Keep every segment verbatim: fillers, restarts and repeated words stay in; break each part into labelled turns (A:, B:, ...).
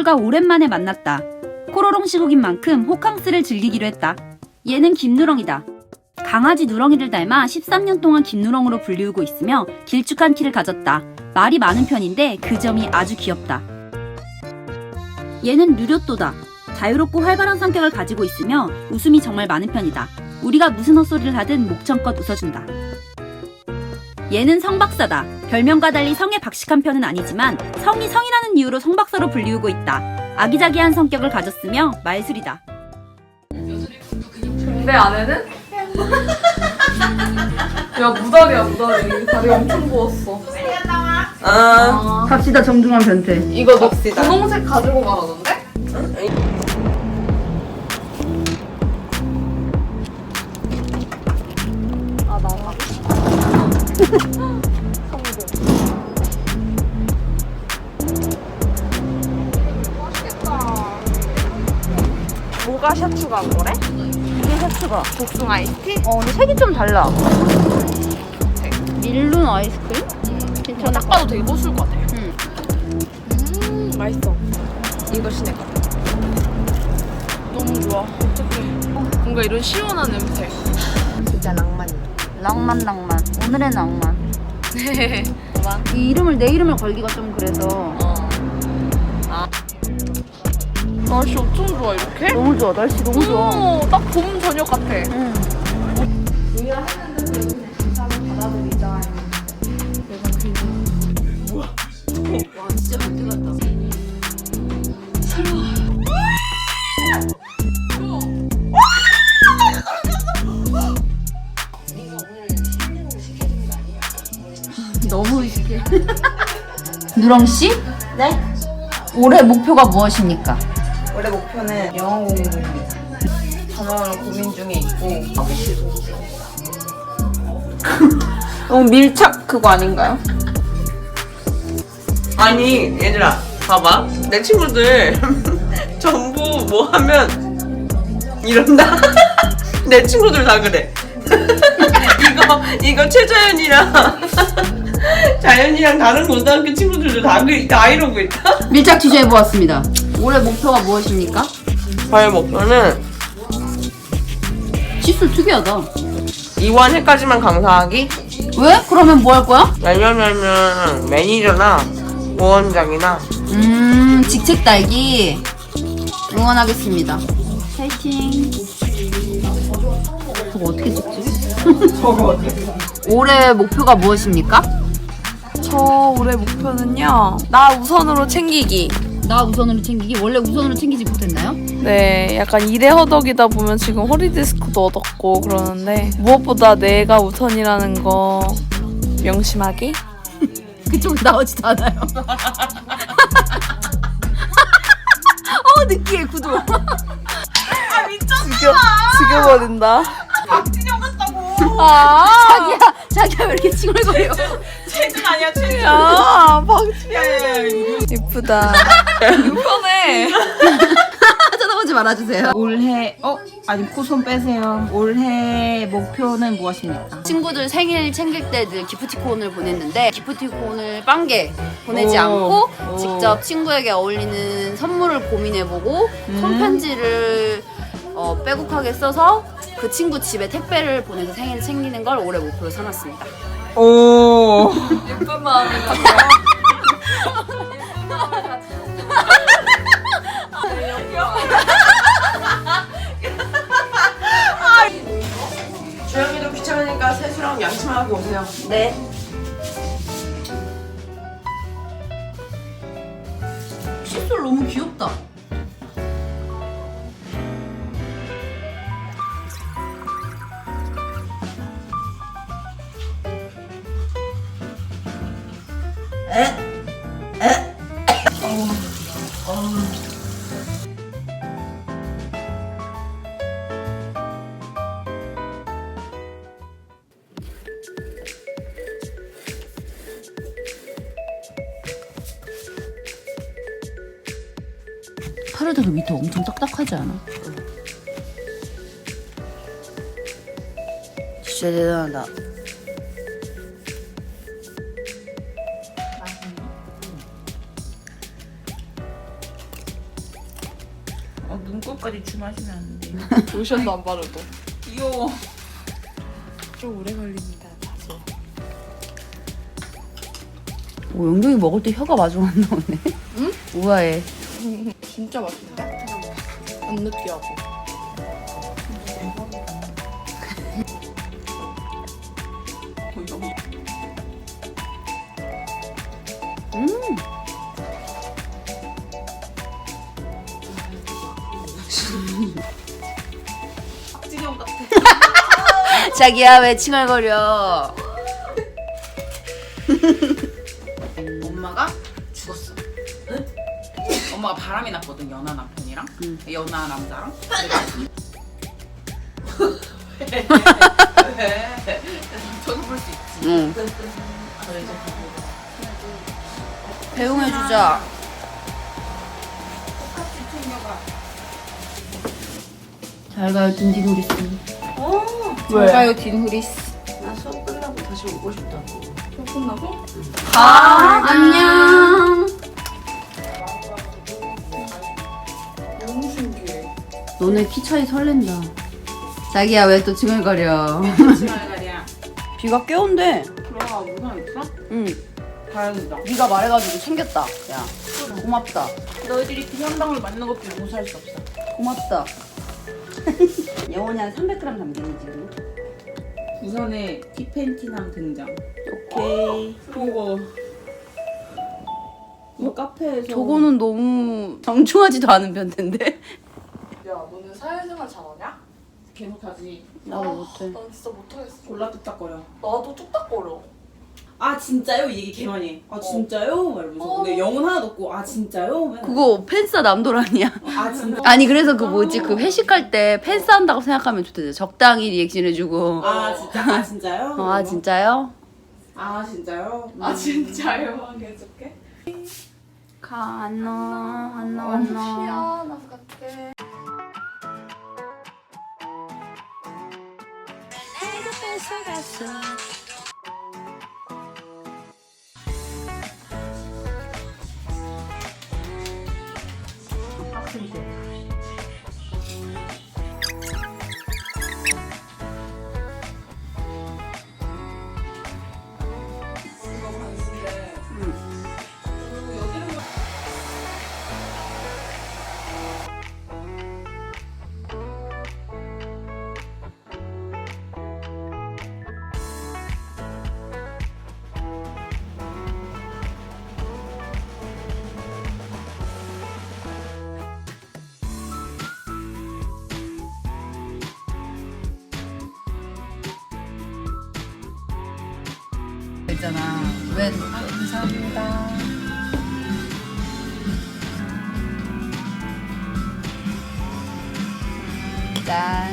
A: 친구가 오랜만에 만났다. 코로롱 시국인 만큼 호캉스를 즐기기로 했다. 얘는 김누렁이다. 강아지 누렁이를 닮아 십삼 년 동안 김누렁으로 불리우고 있으며 길쭉한 키를 가졌다. 말이 많은 편인데 그 점이 아주 귀엽다. 얘는 누료또다. 자유롭고 활발한 성격을 가지고 있으며 웃음이 정말 많은 편이다. 우리가 무슨 헛소리를 하든 목청껏 웃어준다. 얘는 성박사다. 별명과 달리 성에 박식한 편은 아니지만 성이 성이라는 이유로 성박사로 불리우고 있다. 아기자기한 성격을 가졌으며 말술이다.
B: 내 아내는? 야 무다리야 무다리. 다리 엄청 부었어.
C: 아,
A: 갑시다 정중한 변태.
B: 이거 너
C: 갑시다.
B: 분홍색 가지고 가라던데? 아 나가. 뭐가 샤추가 한 거래?
A: 이게 샤츠가.
B: 복숭아 아이스티?
A: 어 근데 색이 좀 달라. 밀룬 아이스크림?
B: 저 딱 봐도 되게 고소할 것 같아.
A: 응.
B: 음 맛있어. 이거 시내 거. 너무 좋아. 어떡해. 뭔가 이런 시원한 냄새.
C: 진짜 낭만이야.
A: 낭만 낭만. 오늘의 낭만. 이 이름을 내 이름을 걸기가 좀 그래서.
B: 날씨 엄청 좋아 이렇게?
A: 너무 좋아. 날씨 너무 좋아.
B: 오, 딱 봄 저녁 같아.
A: 응. 와 진짜 변태 같다. 너무 의식해. 누렁 씨?
C: 네?
A: 올해 목표가 무엇입니까?
C: 올해 목표는 영어 공부입니다. 단어를 고민 중에 있고. 너무 밀착 그거 아닌가요? 아니 얘들아 봐봐 내 친구들 전부 뭐 하면 이런다. 내 친구들 다 그래. 이거 이거 최자연이랑 자연이랑 다른 고등학교 친구들도 다, 그, 다 이러고 있다.
A: 밀착 취재해 보았습니다. 올해 목표가 무엇입니까?
C: 저의 목표는
A: 시술 특이하다.
C: 이원 회까지만 강사하기.
A: 왜? 그러면 뭐 할 거야?
C: 왜냐면은 매니저나 부원장이나
A: 음, 직책 달기. 응원하겠습니다. 파이팅. 저거 어떻게 찍지?
C: 저거
A: 올해 목표가 무엇입니까?
B: 저 올해 목표는요. 나 우선으로 챙기기.
A: 나 우선으로 챙기기. 원래 우선으로 챙기지 못했나요?
B: 네, 약간 일에 허덕이다 보면 지금 허리 디스크도 얻었고 그러는데 무엇보다 내가 우선이라는 거 명심하기.
A: 그쪽 나오지도 않아요. 어 느끼해 구도.
C: 아 미쳤어.
B: 죽여, 죽여버린다.
C: 박진영 같다고.
B: 아,
A: 자기야 자기야 왜 이렇게 칭얼거려?
C: 최준 아니야 최준.
B: 야, 박진영.
C: 야야야.
B: 이쁘다. 편해.
A: 쳐다보지 말아주세요.
C: 올해 어 아니 코손 빼세요. 올해 목표는 무엇입니까?
A: 친구들 생일 챙길 때 늘 기프티콘을 보냈는데 기프티콘을 빵개 보내지
C: 오.
A: 않고
C: 오.
A: 직접 친구에게 어울리는 선물을 고민해보고
C: 음.
A: 손편지를 어, 빼곡하게 써서 그 친구 집에 택배를 보내서 생일 챙기는 걸 올해 목표로 삼았습니다.
C: 오.
B: 예쁜 마음이 같아.
C: 주영이도 귀찮으니까 세수랑 양치만 하고 오세요.
A: 네. 칫솔 너무 귀엽다. 에? 에? 어, 어. 팔을 대도 밑에 엄청 딱딱하지 않아? 진짜 대단하다.
D: 때까지 주무시면 안 돼.
B: 로션도 안 바르고.
D: 귀여워.
B: 좀 오래 걸립니다, 다소.
A: 오, 영경이 먹을 때 혀가 마중 안 나오네.
B: 응?
A: 우아해.
B: 진짜 맛있는데? 안 느끼하고.
A: 음.
D: 박진영 같아.
A: 자기야 왜 칭얼거려?
D: 엄마가 죽었어. 응? 엄마가 바람이 났거든, 연하 남편이랑.
A: 응.
D: 연하 남자랑. 왜? 왜? 저도 볼 수 있지.
A: 응.
D: 그래, 이제
A: 배웅해주자.
D: 똑같이 챙겨가.
A: 잘 가요 딘딘우리스.
D: 어.
B: 잘 가요, 딘후리스.
C: 나 수업 끝나고 다시 오고 싶다고.
B: 수업 끝나고?
A: 아, 안녕.
B: 너무 신기해.
A: 너네 키 차이 설렌다. 자기야 왜 또 칭얼거려?
D: 지랄가리야.
A: 비가 꽤 온대.
D: 그럼 무상 있어?
A: 응.
D: 다행이다.
A: 네가 말해가지고 챙겼다. 야 고맙다.
D: 너희들이 그 현방을 맞는 것도 용서할 수 없어.
A: 고맙다. 영원히 한 삼백 그램 담기니 지금.
D: 우선에 티팬티남 등장.
A: 오케이.
D: 그리고 뭐 카페에서
A: 저거는 너무 정중하지도 않은 편인데.
B: 야, 너는 사회생활 잘하냐?
D: 계속 하지.
A: 나도 못해.
B: 난 진짜 못하겠어.
D: 골라 뚝딱거려.
B: 나도 뚝딱거려.
D: 아 진짜요? 이 얘기 개 많이 해. 아 진짜요? 막 이러면서.
B: 어.
D: 근데 영혼 하나도 없고 아 진짜요? 맨날.
A: 그거 팬싸 남도란이야.
D: 아 진짜.
A: 아니 그래서 그 뭐지 그 회식할 때 팬싸 한다고 생각하면 좋대. 적당히 리액션 해주고.
D: 아 진짜. 아 진짜요?
A: 어, 아 진짜요?
D: 아 진짜요?
B: 아, 진짜요? 해줄게.
A: 가 안녕 안녕
B: 어, 희한한 같아.
A: 있잖아. 왜?
B: 감사합니다.
A: 짠.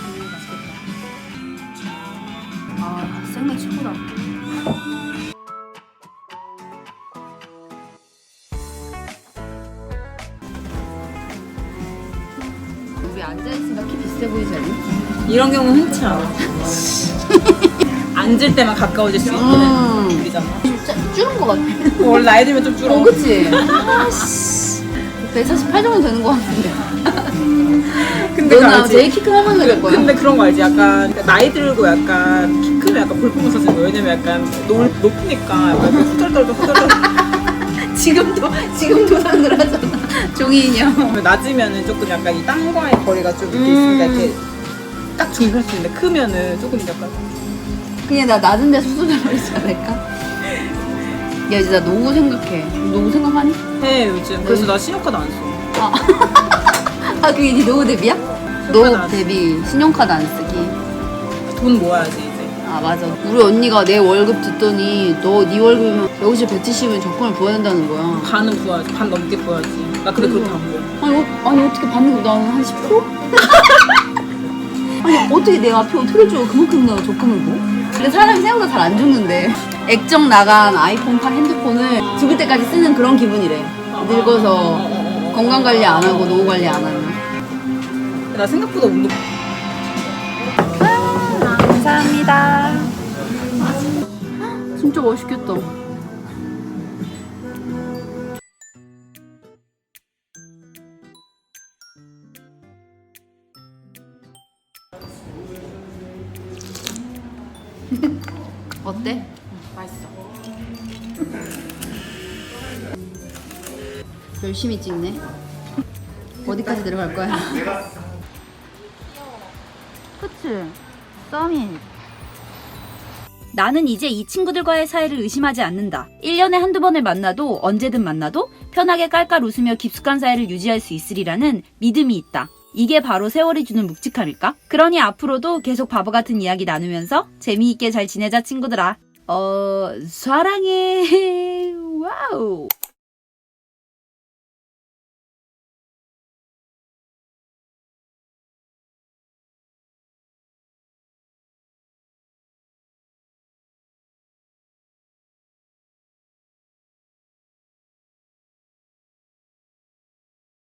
A: 아 생맥 최고다. 우리 앉아있으니까 키 비슷해 보이지 않니?
D: 이런 경우는 흔치 않아. 앉을 때만 가까워질 수 있는
A: 음.
D: 일이잖아.
A: 짜, 줄은 것 같아.
D: 원래 나이 들면 좀 줄어.
A: 어, 그치? 아씨. 백사십팔 정도 되는 것 같은데.
D: 근데
A: 너는
D: 알지?
A: 제일 키 큰 할머니가 될 거야.
D: 근데 그런 거 알지? 약간 나이 들고 약간 키 크면 약간 볼품을 써지는 거. 왜냐면 약간 높, 높으니까 약간 후덜덜덜 후덜덜.
A: 지금도, 지금도 상을 하잖아. 종이 인형.
D: 낮으면은 조금 약간 이 땅과의 거리가 좀 이렇게 있으니까 이렇게 딱 중요할 수 있는데 크면은 조금 약간
A: 그냥 나 낮은 데 수술을 하지 않을까? 야, 이제 나 노후 생각해. 노후 생각하니?
D: 해 요즘. 그래서 나 신용카드 안 써.
A: 아, 아 그게 네 노후 대비야?
D: 신용카드
A: 노후
D: 안 써.
A: 대비 신용카드 안 쓰기.
D: 돈 모아야지 이제.
A: 아 맞아. 우리 언니가 내 월급 듣더니 너 네 월급이면 여기서 백칠십은 적금을 부어야 된다는 거야.
D: 반은 부어야지. 반 넘게 부어야지. 나 근데 그렇게 안 부어.
A: 아니, 어, 아니 어떻게 받는 거 나는 한 십 퍼센트? 아니 어떻게 내가 앞에 어떻게 줘 그만큼 내가 적금을 부? 근데 사람이 생각보다 잘 안 죽는데 액정 나간 아이폰 팔 핸드폰을 죽을 때까지 쓰는 그런 기분이래. 늙어서 건강 관리 안 하고 노후 관리 안 하면.
D: 나 생각보다 운동.
A: 감사합니다. 진짜 맛있겠다. 어때?
D: 맛있어.
A: 열심히 찍네. 어디까지 내려갈 거야? 그치? 썸이. 나는 이제 이 친구들과의 사이를 의심하지 않는다. 일 년에 한두 번을 만나도 언제든 만나도 편하게 깔깔 웃으며 깊숙한 사이를 유지할 수 있으리라는 믿음이 있다. 이게 바로 세월이 주는 묵직함일까? 그러니 앞으로도 계속 바보 같은 이야기 나누면서 재미있게 잘 지내자 친구들아. 어... 사랑해. 와우.